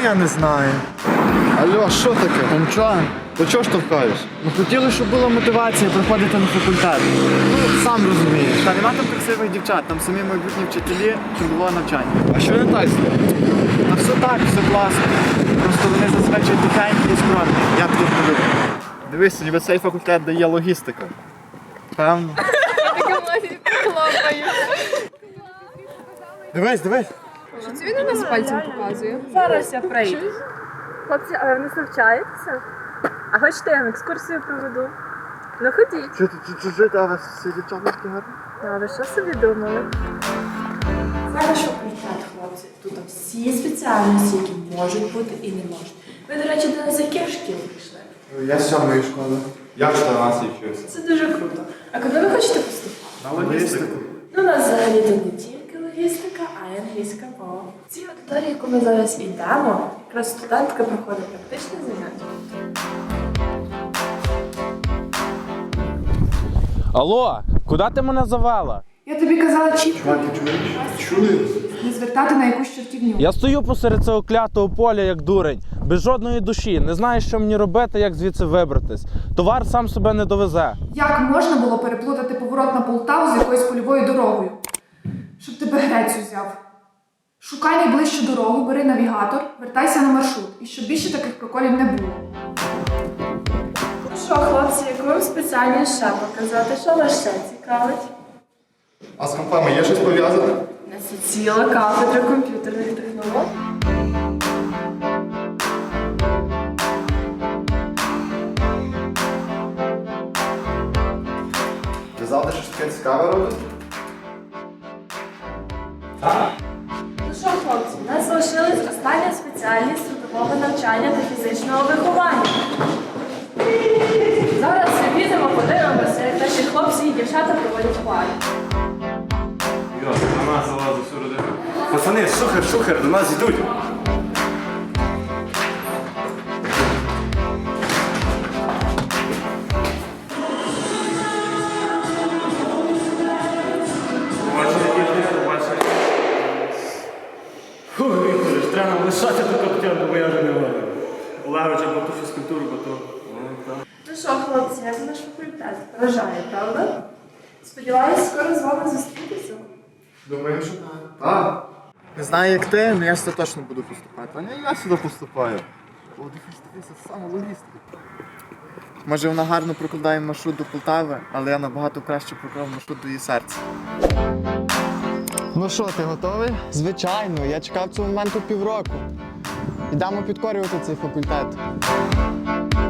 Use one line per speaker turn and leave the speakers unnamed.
я не знаю.
Алло, що таке?
Нічого.
То чого штовхаєш?
Ну хотіли, щоб була мотивація приходити на факультет. Ну, сам розумієш. Та нема там красивих дівчат, там самі майбутні вчителі, трудового навчання.
А що не так з ним?
Та все так, все класно. Просто вони зазвичай тихенькі і скромні. Я тут не люблю. Дивись, ніби цей факультет дає логістика. Певно. Дивись.
Це він у нас пальцем показує.
Зараз я прийду. Хлопці, а ви не навчаєтеся? А хочете, я вам екскурсію проведу? Ну ходіть.
Чужити, а вас всі дівчата такі гарні?
А ви що собі думали?
Це наш факультет, хлопці. Тут всі спеціальності, які можуть бути і не можуть. Ви, до речі, до нас з яких шкіл прийшли?
Я з 7-ї школи.
Я в 14 вчився.
Це дуже круто. А куди ви хочете поступати?
На логістику.
Ну, у нас взагалі тут не тільки логістика, а й англійська мова. В цій аудиторії, яку ми зараз йдемо, якраз студентка проходить практичне заняття.
Алло, куди ти мене завела?
Я тобі казала чітко
Чули?
не звертати на якусь чортівню.
Я стою посеред цього клятого поля, як дурень, без жодної душі, не знаю, що мені робити, як звідси вибратись. Товар сам себе не довезе.
Як можна було переплутати поворот на Полтаву з якоюсь польовою дорогою? Щоб тебе грець узяв. Шукай найближчу дорогу, бери навігатор, вертайся на маршрут. І щоб більше таких проколів не було.
Ну що, хлопці, яку вам спеціальність ще показати? Що вас ще цікавить?
А з компами є щось пов'язане?
У нас є ціла кафедра комп'ютерних технологій.
Ти завтра щось таке цікаве робиш?
Ну що, хлопці, у нас залишилась остання спеціальність трудового навчання та фізичного виховання. Зараз ми підемо, подивимося, як наші хлопці і дівчата проводять пари.
На нас залазить всю родину. Пацани, шухер, до нас йдуть. Фух, Вікторович, треба нам лишати ту каптярку, бо я вже не можу. Олегович, або ту фізкультуру, бо то...
Ну що, хлопці, як наш факультет? Вражає, правда? Сподіваюсь, скоро з вами зустрітися.
Думаю, що так. Так.
Не знаю, як ти, але я сюди точно буду поступати. А не я сюди поступаю. О, дивись, це саме логістика. Може, вона гарно прокладає маршрут до Полтави, але я набагато краще проклав маршрут до її серця.
Ну що, ти готовий? Звичайно, я чекав цього моменту півроку. Ідемо підкорювати цей факультет.